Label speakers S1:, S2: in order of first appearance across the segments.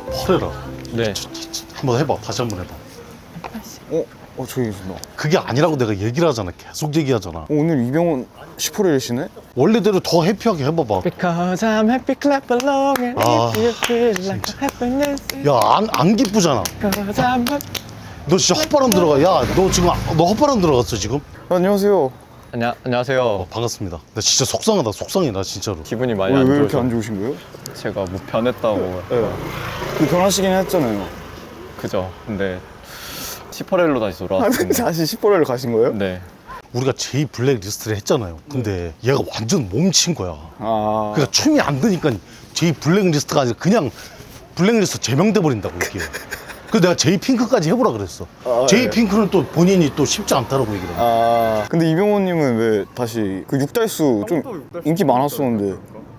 S1: 퍼레라.
S2: 네.
S1: 한번 해봐. 다시 한번 해봐.
S3: 저기 있습니다.
S1: 그게 아니라고 내가 얘기를 하잖아. 계속 얘기하잖아.
S3: 오늘 이병헌 10%를
S1: 원래대로 더 해피하게 해봐봐.
S2: Because I'm happy, clap along and
S1: 아,
S2: if you feel like happiness.
S1: 야, 안 기쁘잖아.
S2: Because I'm happy.
S1: 너 진짜 헛바람 들어가. 야, 너 지금 너 헛바람 들어갔어 지금?
S3: 안녕하세요.
S2: 안녕하세요.
S1: 반갑습니다. 나 진짜 속상하다. 속상해 나 진짜로.
S2: 기분이 많이
S3: 왜
S2: 안
S3: 이렇게
S2: 좋아서
S3: 안 좋으신 거예요?
S2: 제가 뭐 변했다고.
S3: 그 변하시긴 했잖아요.
S2: 그죠. 근데 시퍼렐로 다시 돌아왔습니다.
S3: 다시 10%를 가신 거예요?
S2: 네.
S1: 우리가 제이 블랙 리스트를 했잖아요. 근데 얘가 완전 몸친 거야.
S3: 아,
S1: 그러니까 춤이 안 되니까 제이 블랙 리스트가 아니라 그냥 블랙 리스트 제명돼 버린다고 이게. 그래서 내가 제이 핑크까지 해보라 그랬어. 제이 핑크는 또 본인이 또 쉽지 않다라고 얘기를 해.
S3: 근데 이병헌님은 왜 다시 그 육달수 좀 인기 많았었는데.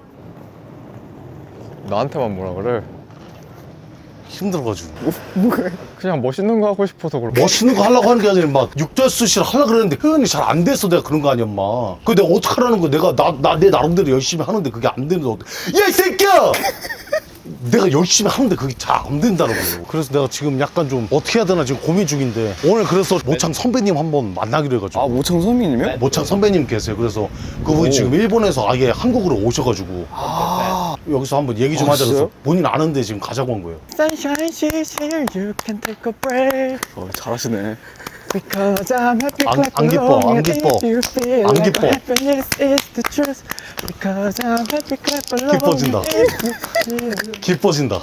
S2: 나한테만 뭐라 그래?
S1: 힘들어가지고.
S2: 그냥 멋있는 거 하고 싶어서 그래.
S1: 멋있는 거 하려고 하는 게 아니라 막 육달수씨를 하려고 그랬는데 표현이 잘 안 돼서 내가 그런 거 아니야, 엄마. 그 내가 어떡하라는 거야. 내가 내 나름대로 열심히 하는데 그게 안 되는데 야, 이 새끼야! 내가 열심히 하는데 그게 잘 안 된다는 거예요. 그래서 내가 지금 약간 좀 어떻게 해야 되나 지금 고민 중인데 오늘 그래서 모창 선배님 한번 만나기로 해가지고.
S3: 모창 선배님이요?
S1: 모창 선배님 계세요. 그래서 그분이 지금 일본에서 아예 한국으로 오셔가지고 여기서 한번 얘기 좀 하자. 그래서
S3: 진짜요?
S1: 본인 아는데 지금 가자고 한 거예요.
S2: Sunshine, she's here, you can take a breath.
S3: 잘하시네.
S2: Because I'm happy,
S1: 안-
S2: clap
S1: 안 기뻐,
S2: along
S1: 안
S2: and
S1: 기뻐.
S2: if you feel
S1: 안
S2: like
S1: 기뻐.
S2: happiness is the truth. Because I'm happy, clap along
S1: 기뻐진다.
S2: and if you feel
S1: 기뻐진다.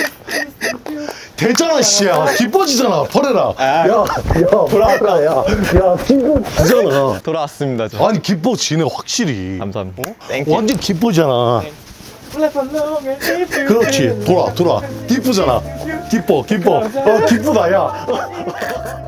S1: 되잖아, 씨야. 기뻐지잖아. 버려라. 야, 버려라, 야. 기뻐지잖아.
S2: 돌아왔습니다. 저.
S1: 아니, 기뻐지네, 확실히.
S2: 감사합니다.
S1: 완전 기뻐지잖아.
S2: Clap along and if you
S1: 그렇지.
S2: feel
S1: 돌아. 기쁘잖아. 기뻐. 기쁘다, 야.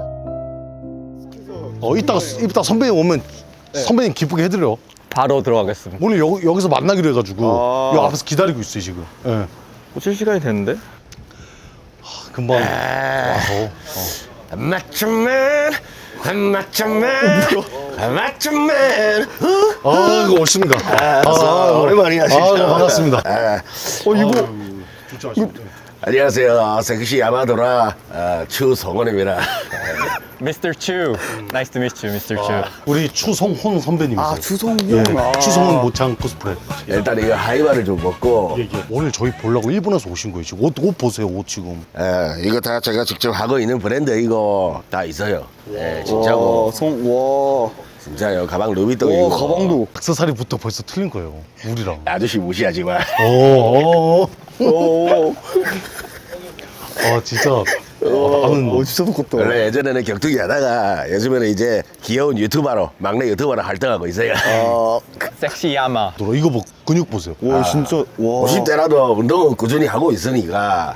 S1: 이따 선배님 오면 선배님 기쁘게 해드려.
S2: 바로 들어가겠습니다.
S1: 오늘 여기서 만나기로 해가지고 여기 앞에서 기다리고 있어요, 지금. 예.
S2: 꽂힐 시간이 됐는데?
S1: 금방 와서.
S4: 맞춤맨 맞춤맨 맞춤맨
S1: 이거 오십니다.
S4: 오랜만이야 진짜.
S1: 반갑습니다.
S3: 이거
S4: 안녕하세요 섹시 야마도라 추성원입니다.
S2: Mr. Chu. Nice to meet you, Mr. Chu.
S1: 우리 추성훈 선배님이세요.
S3: 주성훈.
S1: 예, 추성훈 모창 코스프레.
S4: 일단 이거 하이바를 좀 먹고
S1: 오늘 저희 보려고 일본에서 오신 거예요. 지금 옷 보세요, 옷 지금.
S4: 이거 다 제가 직접 하고 있는 브랜드 이거 다 있어요. 진짜고 진짜요. 가방 루비통이고
S3: 가방도.
S1: 액세서리부터 벌써 틀린 거예요. 우리랑.
S4: 아저씨 무시하지 마.
S1: 진짜. 나는
S3: 진짜 똑같다.
S4: 원래 예전에는 격투기 하다가 요즘에는 이제 귀여운 유튜버로 막내 유튜버로 활동하고 있어요.
S2: 섹시 야마.
S1: 이거 근육 보세요.
S3: 진짜.
S4: 50대라도 운동은 꾸준히 하고 있으니까.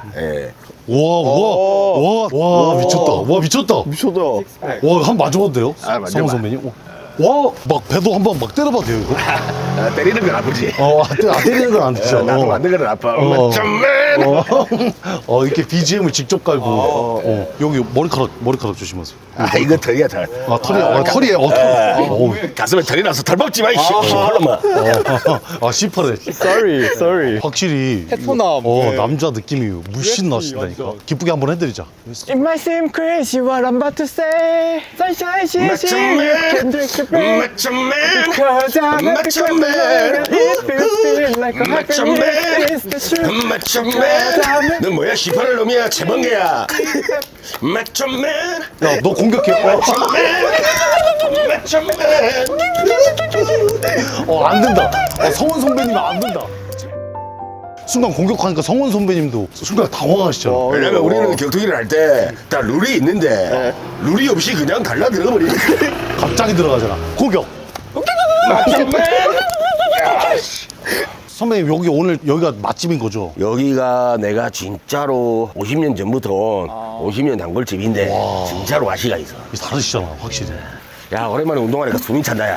S1: 와, 미쳤다.
S3: 미쳤다.
S1: 한번 맞아봐도 돼요?
S4: 맞아봐.
S1: 성훈 선배님. 막 배도 한번 막 때려봐도 돼요, 이거?
S4: 때리는 건 아프지.
S1: 때리는 건 안 되죠.
S4: 나도 만든 거는 아파. 맞춤맨.
S1: 이렇게 BGM을 직접 깔고. 여기 머리카락 조심하세요.
S4: 이거 털이야 털.
S1: 털이에요.
S4: 가슴에 털이 나서 털 먹지 마. 이씨. 털로만.
S1: 시퍼래.
S2: Sorry.
S1: 확실히.
S2: 테토남.
S1: 남자 느낌이 물씬 나신다니까. 기쁘게 한번 해드리자.
S2: It might seem crazy what I'm about to say. Sunshine, she's here, you can take a breath.
S4: 맞춤맨.
S2: Because I'm happy, clap along and if you feel like happiness is the truth.
S4: 맞춤맨. 너 뭐야? 18을 놈이야? 채번개야. 맞춤맨.
S1: 야, 너 공격해.
S4: 맞춤맨.
S1: 안 된다. 성훈 선배님 안 된다. 순간 공격하니까 성훈 선배님도 순간 당황하시잖아.
S4: 왜냐면 우리는 격투기를 할 때 다 룰이 있는데 룰이 없이 그냥 달라 들어가 버리니까.
S1: 갑자기 들어가잖아. 공격.
S4: 맞춤맨.
S1: 선배님 오늘 여기가 맛집인 거죠?
S4: 여기가 내가 진짜로 50년 전부터 온 50년 단골집인데 진짜로 맛이가 있어.
S1: 다르시잖아, 확실히.
S4: 야, 오랜만에 운동하니까 숨이 찬다, 야.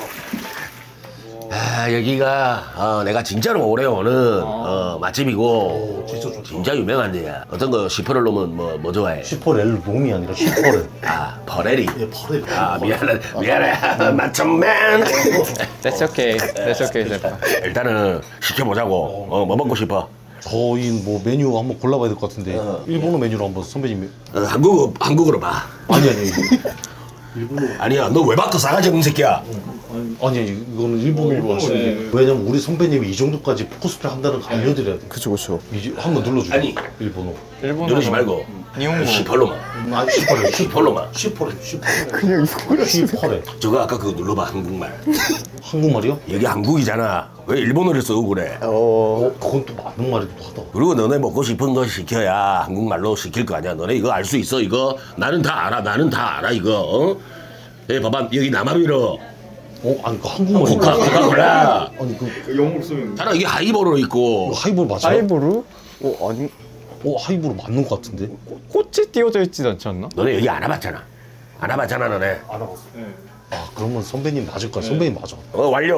S4: 여기가 내가 진짜로 오래 오는 맛집이고 진짜 유명한 데야. 어떤 거 시퍼를 놓으면 뭐 좋아해?
S1: 슈퍼렐 놈이 아니라 슈퍼렐.
S4: 퍼렐이.
S1: 퍼렐.
S4: 미안해. 맞춤맨.
S2: That's okay, Sepa.
S4: 일단은 시켜보자고. 뭐 먹고 싶어?
S1: 저희 뭐 메뉴 한번 골라봐야 될 것 같은데 일본어 메뉴로 한번 선배님이
S4: 한국어로 봐.
S1: 아니
S4: 아니야, 너 왜 바꿔 싸가지 없는 새끼야.
S1: 아니 이거는 일본어로 하시는데 왜냐면 우리 선배님이 이 정도까지 코스프레 한다는 거 알려드려야 돼.
S3: 그쵸 그쵸.
S1: 이제 한번 눌러주세요.
S4: 아니.
S1: 일본어.
S4: 누르지 말고
S2: 니혼고.
S4: 시펄로만.
S1: 아니 슈퍼래
S4: 시펄로만.
S1: 슈퍼래
S3: 그냥 이거를
S1: 슈퍼래.
S4: 저거 아까 그거 눌러봐, 한국말.
S1: 한국말이요?
S4: 여기 한국이잖아. 왜 일본어를 쓰고 그래?
S1: 그건 또 맞는 말이기도 하다.
S4: 그리고 너네 먹고 싶은 거 시켜야 한국말로 시킬 거 아니야. 너네 이거 알 수 있어, 이거? 나는 다 알아, 나는 다 알아, 이거. 어? 예, 봐봐, 여기 남아비로.
S1: 아니 그 한국말.
S4: 코카콜라.
S1: 아니 그
S4: 나는 이게 하이보로 있고.
S1: 하이볼 맞아요?
S2: 아이보루?
S3: 아니
S1: 하이볼 맞는 것 같은데.
S2: 꽃이 띄워져 있지 않지 않나?
S4: 너네 여기 안 와봤잖아. 안 와봤잖아, 너네.
S1: 아 그러면 선배님 맞을 거야. 선배님 맞아.
S4: 완료.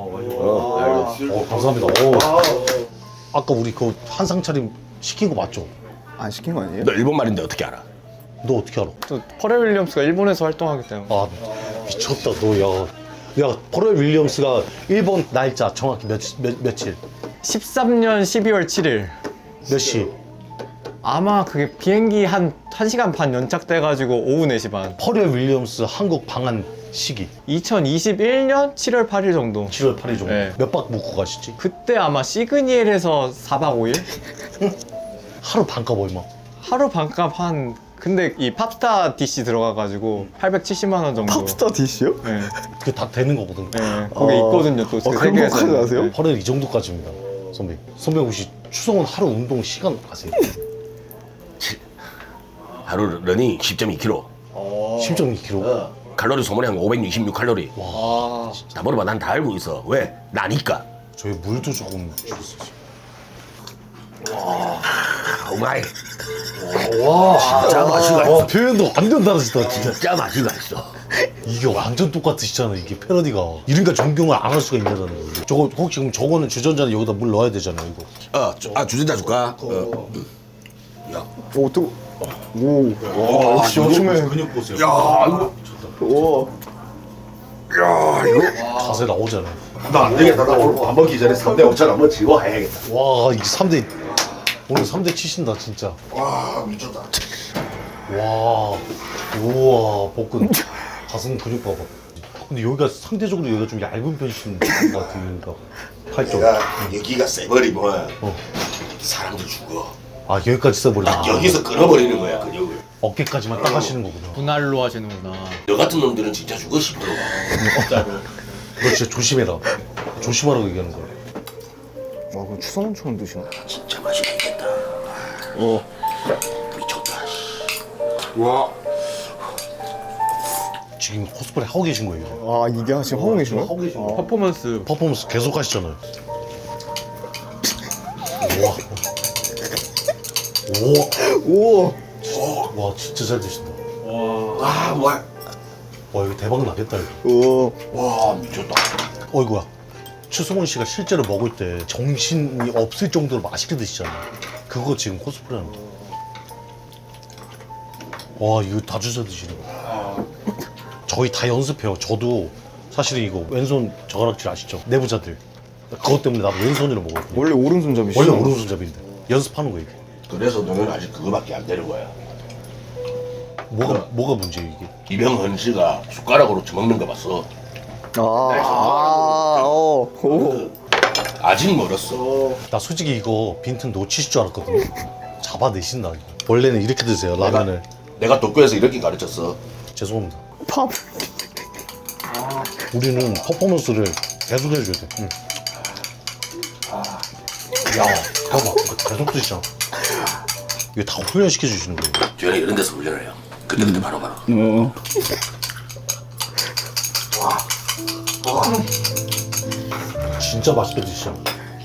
S1: 감사합니다. 아까 우리 그 한상 차림 시킨 거 맞죠?
S3: 안 시킨 거 아니에요?
S4: 너 일본 말인데 어떻게 알아?
S1: 너 어떻게 알아?
S2: 또 퍼렐 윌리엄스가 일본에서 활동하기 때문에.
S1: 아 미쳤다 너. 야 퍼렐 윌리엄스가 일본 날짜 정확히 며칠
S2: 13년 12월 7일.
S1: 몇 시?
S2: 아마 그게 비행기 한 1시간 반 연착돼가지고 오후 4시 반.
S1: 퍼렐 윌리엄스 한국 방한 시기
S2: 2021년 7월 8일 정도.
S1: 7월 8일 정도.
S2: 네.
S1: 몇 박 묵고 가시지?
S2: 그때 아마 시그니엘에서 4박 5일?
S1: 하루 반값 얼마?
S2: 하루 반값 한. 근데 이 팝스타 DC 들어가가지고 870만 원 정도.
S3: 팝스타 디시요?
S2: 네.
S1: 그게 다 되는 거거든.
S2: 네. 거기 있거든요 또. 그
S3: 그런
S2: 세계에서.
S3: 것까지 아세요?
S2: 네.
S1: 퍼렐 이 정도까지입니다. 선배 혹시 추성훈 하루 운동 시간 아세요?
S4: 하루 러닝 10.2km.
S1: 10.2kg.
S4: 칼로리 소모량 566 칼로리.
S2: 아.
S4: 다 물어봐, 난 다 알고 있어. 왜? 나니까.
S1: 저희 물도 조금 줄였어요.
S4: 오마이.
S1: 와
S4: 진짜 맛이가 있어.
S1: 표현도 완전 다르시다 진짜.
S4: 진짜 맛이가 있어.
S1: 이게 완전 똑같으시잖아 이게 패러디가. 이러니까 존경을 안 할 수가 있냐는 거예요. 저거 혹시 그럼 저거는 주전자는 여기다 물 넣어야 되잖아요 이거.
S4: 주전자 줄까? 야.
S3: 오 또. 와 역시 요즘에.
S1: 근육 보세요.
S4: 야, 이거.
S3: 와.
S4: 야, 이거.
S1: 자세 나오잖아요.
S4: 나 안 되겠다. 나 오늘 밥 먹기 전에 3대 5천 한번 지워 해야겠다.
S1: 와 이게 3대 오늘 3대 치신다 진짜.
S4: 와, 미쳤다.
S1: 와 우와 복근 가슴 근육 봐봐. 근데 여기가 상대적으로 여기가 좀 얇은 편이신 것 같아요. 그러니까 팔쪽.
S4: 여기가 세버리면 사람들 죽어.
S1: 아 여기까지 써버리나.
S4: 여기서 끊어버리는 거야, 근육을.
S1: 어깨까지만 딱 하시는 거구나.
S2: 분할로 하시는구나.
S4: 너 같은 놈들은 진짜 죽어 싶어.
S1: 너 진짜 조심해라. 조심하라고 얘기하는 거야.
S3: 와 그럼 추성훈처럼 드시나?
S4: 진짜 맛있겠다. 미쳤다.
S3: 와.
S1: 지금 코스프레 하고 계신 거예요.
S3: 아 이게 지금 하고 계시나?
S1: 하고 계신 거예요.
S2: 퍼포먼스.
S1: 퍼포먼스 계속 하시잖아요. 우와. 우와.
S3: 우와.
S1: 와 진짜 잘 드신다.
S4: 아, 뭐야.
S1: 와 이거 대박 나겠다 이거.
S3: 우와.
S4: 와, 미쳤다.
S1: 어이구야. 추성훈 씨가 실제로 먹을 때 정신이 없을 정도로 맛있게 드시잖아요. 그거 지금 코스프레하는 거. 와 이거 다 주워 드시는 거. 저희 다 연습해요. 저도 사실은 이거 왼손 젓가락질 아시죠? 내부자들. 그것 때문에 나도 왼손으로 먹었거든요.
S3: 원래 오른손잡이시죠?
S1: 원래 오른손잡이인데 연습하는 거 이게.
S4: 그래서 너는 아직 그거밖에 안 되는 거야.
S1: 뭐가 문제예요 이게?
S4: 김영헌 씨가 숟가락으로 처먹는 거 봤어.
S3: 오.
S4: 아직 멀었어.
S1: 나 솔직히 이거 빈틈 놓치실 줄 알았거든요. 잡아내신다 이거. 원래는 이렇게 드세요 라면을.
S4: 내가 도쿄에서 이렇게 가르쳤어.
S1: 죄송합니다.
S3: 팝.
S1: 우리는 퍼포먼스를 계속 해줘야 돼. 응. 야, 봐봐. 이거 계속 드시잖아. 이거 다 훈련시켜 주시는 거예요.
S4: 저는 이런 데서 훈련을 해요. 그때 바로바로.
S1: 진짜 맛있게 드시잖아.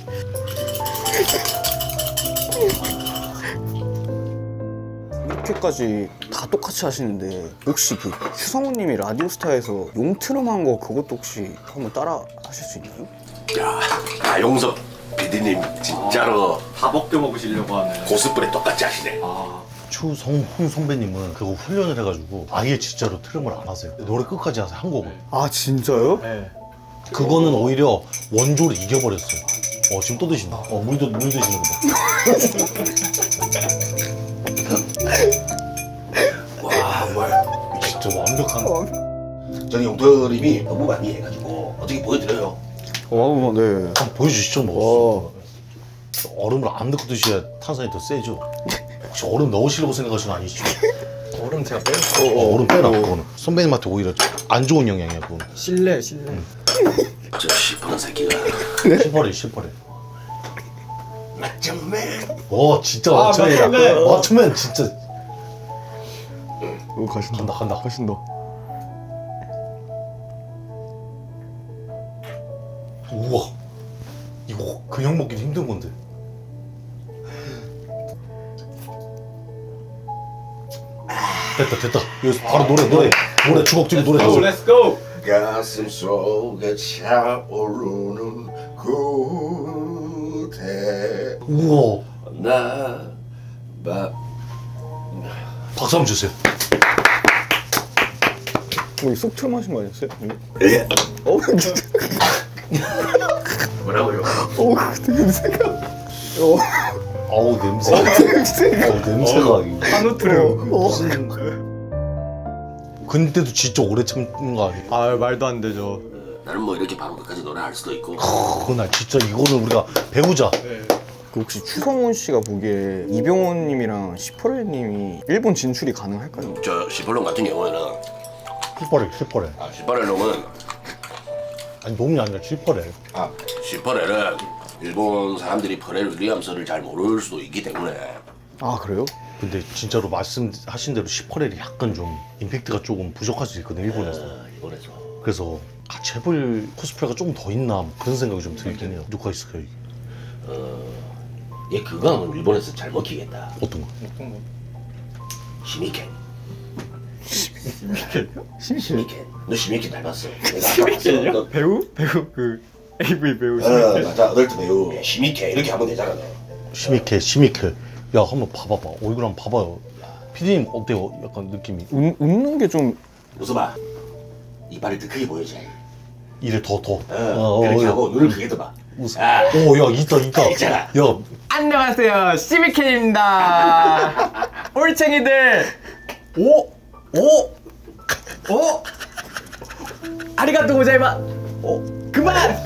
S3: 이렇게까지 다 똑같이 하시는데 혹시 그 추성훈님이 라디오스타에서 용트름한 거 그것도 혹시 한번 따라 하실 수 있나요?
S4: 야, 나용석 PD님 진짜로
S2: 다 벗겨 먹으시려고 하는.
S4: 고스프레 똑같이 하시네.
S1: 추성훈 선배님은 그거 훈련을 해가지고 아예 진짜로 트름을 안 하세요. 노래 끝까지 하세요, 한 곡을.
S3: 아 진짜요?
S2: 네.
S1: 그거는 오히려 원조를 이겨버렸어요. 지금 또 드신다. 물 드시는 거 봐.
S4: 와 정말
S1: 진짜 완벽한.
S4: 저기 용터님이 너무 많이 해가지고 어떻게 보여드려요?
S3: 네.
S1: 한번 보여주시죠 뭐. 얼음을 안 넣고 드셔야 탄산이 더 세죠. 혹시 얼음 넣으시려고 생각하시는 거 아니시죠?
S2: 얼음 제가 빼요.
S1: 얼음 빼라 그거는. 선배님한테 오히려 안 좋은 영향이야 그거는.
S2: 실례.
S4: 저 시퍼런 새끼가
S1: 실버래 실버래.
S4: 맞짱맨.
S1: 와 진짜
S2: 아,
S1: 맞춤이다.
S2: 맞춤맨.
S1: 맞춤맨 진짜.
S3: 오 가신다.
S1: 간다.
S3: 가신다.
S1: 우와. 이거 그냥 먹기도 힘든 건데. 됐다. 여기서 바로 노래 주걱줄이 노래 나서.
S2: Let's go.
S4: 가슴 속에 차오르는 그대
S1: 우와.
S4: 나봐
S1: 박수 한번 주세요.
S3: 쏙 틀어마신 거 아니었어요?
S4: 예.
S3: 진짜.
S4: 뭐라고요?
S3: 냄새가.
S1: 어우 냄새가. 냄새가.
S2: 한우트를.
S1: 무슨. 근데도 진짜 오래 참는 거 아니야?
S2: 아 말도 안 되죠.
S4: 나는 뭐 이렇게 바로 끝까지 노래할 수도 있고
S1: 그날 진짜 이거는 우리가 배우자.
S3: 그 혹시 추성훈 씨가 보기에 이병헌님이랑 시퍼렐님이 일본 진출이 가능할까요?
S4: 저 시퍼런 같은 경우에는
S1: 실버래.
S4: 시퍼렐 놈은
S1: 아니 놈이 아니라 실버래.
S4: 시퍼렐은 일본 사람들이 퍼렐 윌리엄스를 잘 모를 수도 있기 때문에
S3: 아 그래요?
S1: 근데 진짜로 말씀하신 대로 시퍼렐이 약간 좀 임팩트가 조금 부족할 수 있거든 일본에서.
S4: 이번에서
S1: 그래서 같이 해볼 코스프레가 조금 더 있나 뭐 그런 생각이 좀 들긴 해요. 누가 있을까요? 이게?
S4: 얘 그거 하면 일본에서 잘 먹히겠다.
S1: 어떤 거?
S4: 시미켄.
S3: 심심.
S4: 시미켄. 너 시미켄 닮았어.
S2: 시미켄이요? 배우 그 AV 배우
S4: 맞아. 어덜트 배우. 시미켄 이렇게 하면 되잖아. 너.
S1: 시미케. 야 한번 봐봐봐. 얼굴 한번 봐봐요. 피디님 어때요? 약간 느낌이.
S3: 웃는 게 좀
S4: 웃어봐. 이빨을 더 크게 보여줘.
S1: 이래 더.
S4: 이렇게 하고 눈을 크게 떠봐.
S1: 웃어. 오야 있다.
S4: 있잖아.
S1: 야
S2: 안녕하세요. 시미켄입니다. 올챙이들. 오. 아리가또 고자이마. 그만.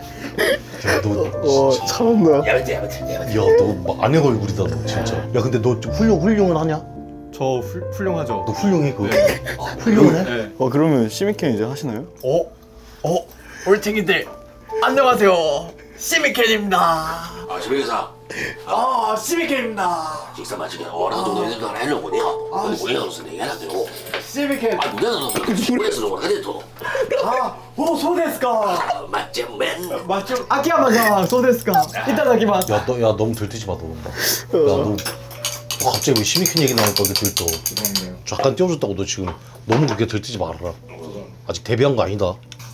S1: 너
S3: 참았나?
S4: 야매트.
S1: 야너 아내 얼굴이다 너 진짜. 야 근데 너 훌륭은 하냐?
S2: 저 훌륭하죠.
S1: 너 훌륭해 그거? 훌륭해?
S2: 네.
S3: 그러면 시미켄 이제 하시나요?
S2: 올챙이들. 안녕하세요. 시미켄입니다.
S4: 시미켄사.
S2: 시미켄입니다.
S4: 식사 마치게 나도 너희들 하나 해놓고 내가 우리가 무슨 얘기해야 되고
S2: 시미켄.
S4: 무대는 우리에서 뭐가 돼도
S2: そうですか.
S4: 맞짱맨.
S2: 맞죠? 아키야마さん, そうですか. 이따다키마스.
S1: 야 너무 들뜨지 마 너. 너 갑자기 왜 시미켄 얘기 나오니까 그렇게 들떠. 잠깐 띄워줬다고 너 지금 너무 그렇게 들뜨지 말아라. 아직 데뷔한 거 아니다.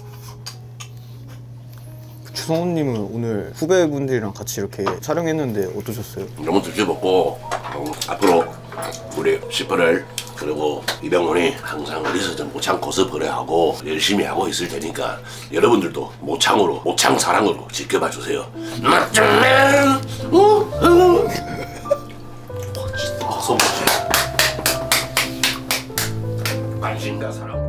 S3: 추성훈님은 오늘 후배분들이랑 같이 이렇게 촬영했는데 어떠셨어요?
S4: 너무 드셔먹고 앞으로 우리 시퍼렐 그리고 이병헌이 항상 어디서 좀 모창 코스프레 하고 열심히 하고 있을 테니까 여러분들도 모창 사랑으로 지켜봐 주세요. 맞짱맨.
S1: 박수 한번 치.
S4: 관심과 사랑.